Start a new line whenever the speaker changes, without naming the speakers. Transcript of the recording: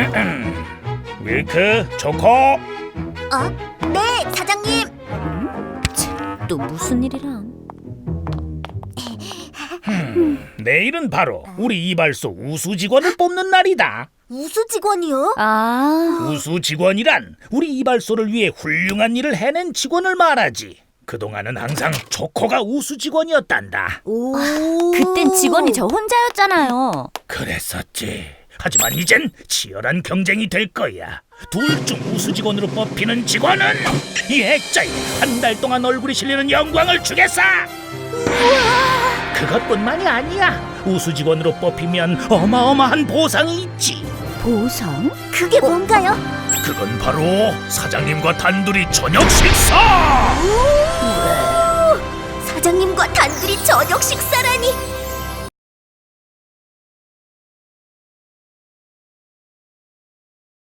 밀크, 초코.
네, 사장님.
또 무슨 일이랑?
내일은 바로 우리 이발소 우수 직원을 뽑는 날이다.
우수 직원이요?
우수 직원이란 우리 이발소를 위해 훌륭한 일을 해낸 직원을 말하지. 그동안은 항상 초코가 우수 직원이었단다.
오.
그땐 직원이 저 혼자였잖아요.
그랬었지. 하지만 이젠 치열한 경쟁이 될 거야. 둘 중 우수 직원으로 뽑히는 직원은 이 액자에 한 달 동안 얼굴이 실리는 영광을 주겠어. 그것뿐만이 아니야. 우수 직원으로 뽑히면 어마어마한 보상이 있지.
보상?
그게 뭔가요?
그건 바로 사장님과 단둘이 저녁 식사.
사장님과 단둘이 저녁 식사라니.